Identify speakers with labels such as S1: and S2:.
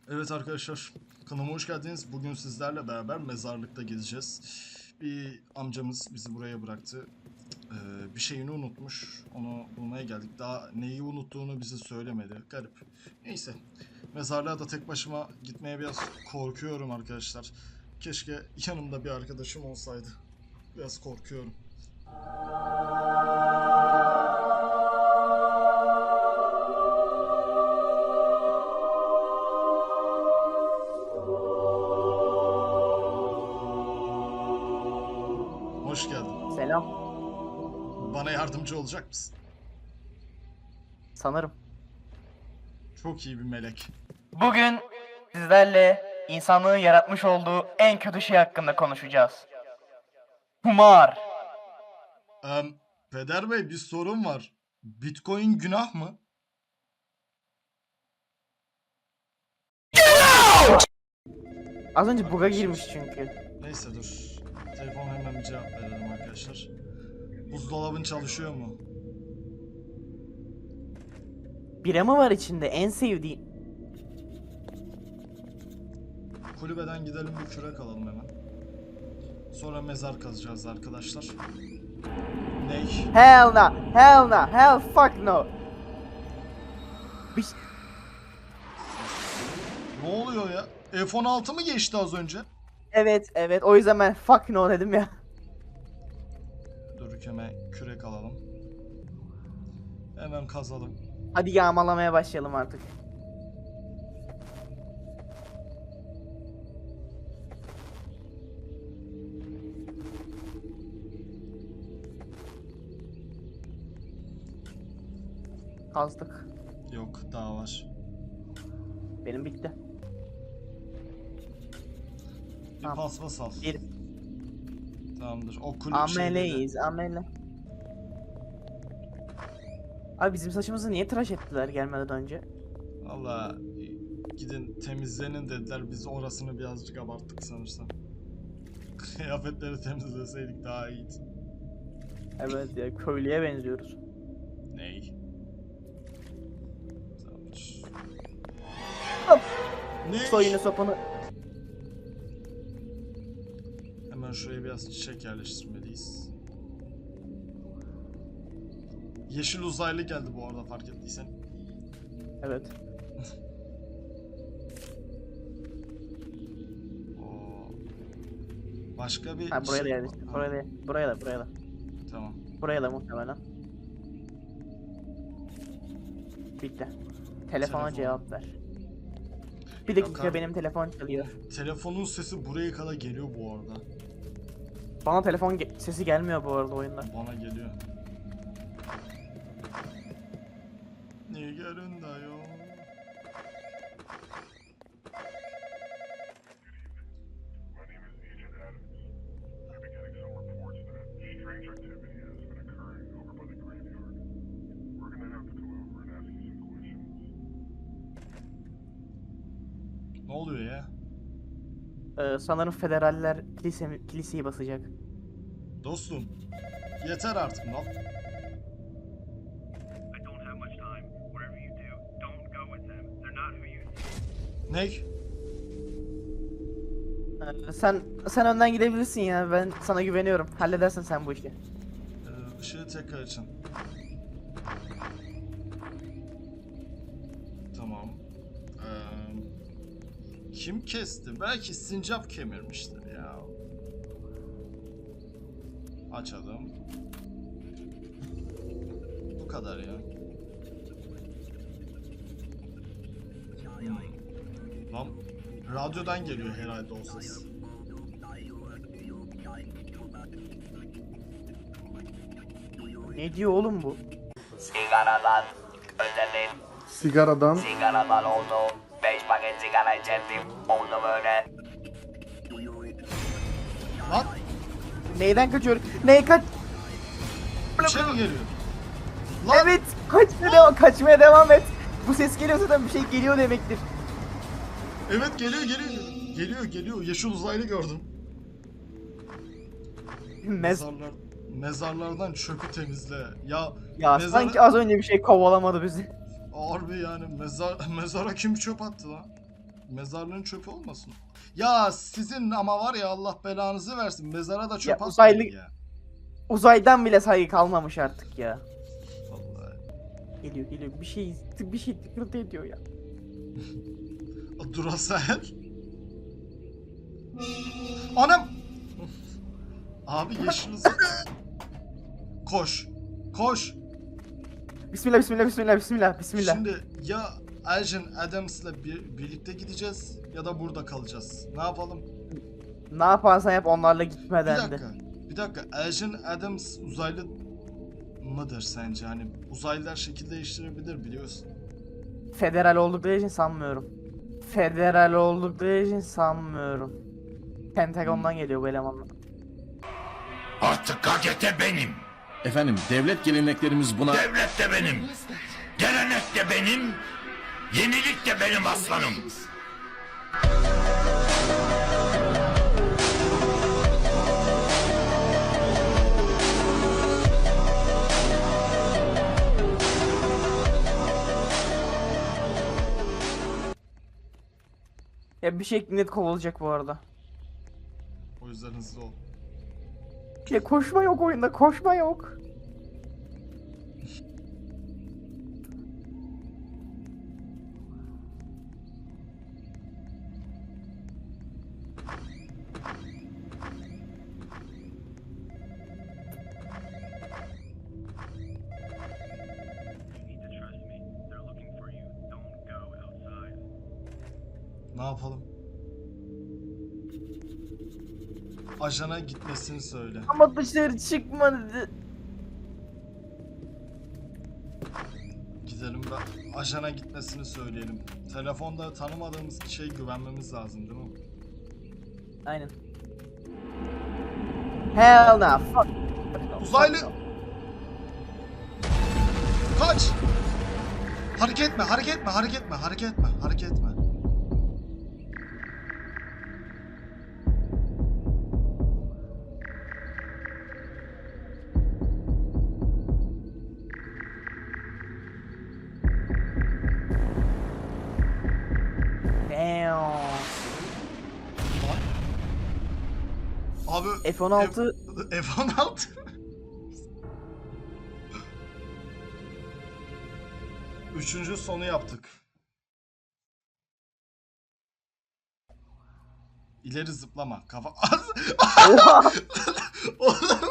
S1: Evet arkadaşlar, kanalıma hoş geldiniz. Bugün sizlerle beraber mezarlıkta gezeceğiz. Bir amcamız bizi buraya bıraktı. Bir şeyini unutmuş. Onu bulmaya geldik. Daha neyi unuttuğunu bize söylemedi. Garip. Neyse. Mezarlığa da tek başıma gitmeye biraz korkuyorum arkadaşlar. Keşke yanımda bir arkadaşım olsaydı. Biraz korkuyorum. Hoş geldin.
S2: Selam.
S1: Bana yardımcı olacak mısın?
S2: Sanırım.
S1: Çok iyi bir melek.
S2: Bugün sizlerle insanlığın yaratmış olduğu en kötü şey hakkında konuşacağız. Kumar.
S1: Peder Bey, bir sorun var. Bitcoin günah mı?
S2: Az önce bug'a girmiş çünkü.
S1: Neyse dur. Telefon hemen bir cevap verelim arkadaşlar. Buzdolabın çalışıyor mu?
S2: Bira mı var içinde? En sevdiğim.
S1: Kulübeden gidelim, bir kürek alalım hemen. Sonra mezar kazacağız arkadaşlar. Ney?
S2: Hell no. Hell no. Hell fuck no. Bir...
S1: Ne oluyor ya? F-16 mı geçti az önce?
S2: Evet. O yüzden ben fuck no dedim ya.
S1: Dur, hemen kürek alalım. Hemen kazalım.
S2: Hadi yağmalamaya başlayalım artık. Kazdık.
S1: Yok, daha var.
S2: Benim bitti.
S1: Bir
S2: Tamam.
S1: paspas al.
S2: Bir.
S1: Tamamdır. O kulüp şeyleri.
S2: Ameleyiz amele. Abi bizim saçımızı niye tıraş ettiler gelmeden önce?
S1: Valla gidin temizlenin dediler. Biz orasını birazcık abarttık sanırsam. Kıyafetleri temizleseydik daha iyiydi.
S2: Evet ya köylüye benziyoruz.
S1: Ney? Tamamdır.
S2: Hop.
S1: Ne?
S2: Soyunu sopanı.
S1: Hemen şuraya biraz çiçek yerleştirmeliyiz. Yeşil uzaylı geldi bu arada, fark ettiysen.
S2: Evet.
S1: Oo. Başka bir
S2: Ha buraya da
S1: şey.
S2: yerleştir.
S1: Ha,
S2: Buraya da.
S1: tamam.
S2: Buraya da muhtemelen. Bitti. Telefona
S1: Telefon.
S2: cevap ver. Bir
S1: Yok
S2: dakika
S1: abi.
S2: benim telefon çalıyor.
S1: Telefonun sesi buraya kadar geliyor bu arada.
S2: Bana telefon sesi gelmiyor bu arada oyunda.
S1: Bana geliyor. Nigarın da yok.
S3: My name is Agent Adams. I've been getting some reports that strange activity has been occurring over by the graveyard. We're gonna have to come over and ask you some questions.
S1: Ne oluyor ya?
S2: Sanırım federaller kiliseyi basacak.
S1: Dostum, yeter artık lan.
S3: I don't have much time. Whatever you do, don't go with them. They're not who you think.
S1: Ney?
S2: Sen önden gidebilirsin ya. Ben sana güveniyorum. Halledersin sen bu işi.
S1: Işığı tekrar açın. Tamam. Kim kesti? Belki sincap kemirmiştir ya. Açalım. Bu kadar ya. Lan radyodan geliyor herhalde o ses.
S2: Ne diyor oğlum bu?
S4: Sigaradan ödedim.
S5: Sigaradan
S4: Oldu. 5 paket sigara içerdim. Oldu böyle.
S1: Lan
S2: Neyden kaçıyor? Ney kaç?
S1: bir şey mi geliyor? Lan
S2: Evet, kaçmaya devam et. Bu ses geliyor zaten bir şey geliyor demektir.
S1: evet, geliyor. Yeşil uzaylı gördüm. Mezarlardan çöpü temizle.
S2: Ya
S1: mezara-
S2: sanki az önce bir şey kovalamadı bizi.
S1: Harbi yani mezara kim çöp attı lan? Mezarlığın çöpü olmasın. Ya sizin ama var ya Allah belanızı versin. Mezara da çöp
S2: Ya
S1: atmayın
S2: uzaylı-
S1: ya.
S2: Uzaydan bile saygı kalmamış artık ya.
S1: Vallahi.
S2: Geliyor bir şey tıkırtı ediyor ya.
S1: Duracell. Anam. Abi yeşil ışık. Koş. Koş.
S2: Bismillah.
S1: Şimdi ya Agent Adams'la birlikte gideceğiz ya da burada kalacağız. Ne yapalım?
S2: Ne yaparsan yap onlarla
S1: Bir
S2: gitmeden de.
S1: dakika. Bir dakika. Agent Adams uzaylı mıdır sence? Hani uzaylılar şekil değiştirebilir biliyorsun.
S2: Federal oldukları için sanmıyorum. Pentagon'dan geliyor bu elemanlar.
S6: Artık KGT benim.
S7: Efendim devlet geleneklerimiz buna...
S6: Devlet de benim. Gelenek de benim. Yenilik de benim aslanım.
S2: Ya bir şey net kovulacak bu arada.
S1: O yüzden hızlı ol.
S2: Ya koşma yok oyunda, koşma yok.
S1: Ne yapalım? Ajana gitmesini söyle.
S2: Ama dışarı çıkma dedi.
S1: Gidelim ve ajana gitmesini söyleyelim. Telefonda tanımadığımız kişiye güvenmemiz lazım değil mi?
S2: Aynen. Hell no. Fuck.
S1: Uzaylı! Kaç! Hareket etme.
S2: Damn.
S1: Abi
S2: F-16
S1: F-16 Üçüncü sonu yaptık. İleri zıplama. Kafa...
S2: Oha!
S1: Oğlum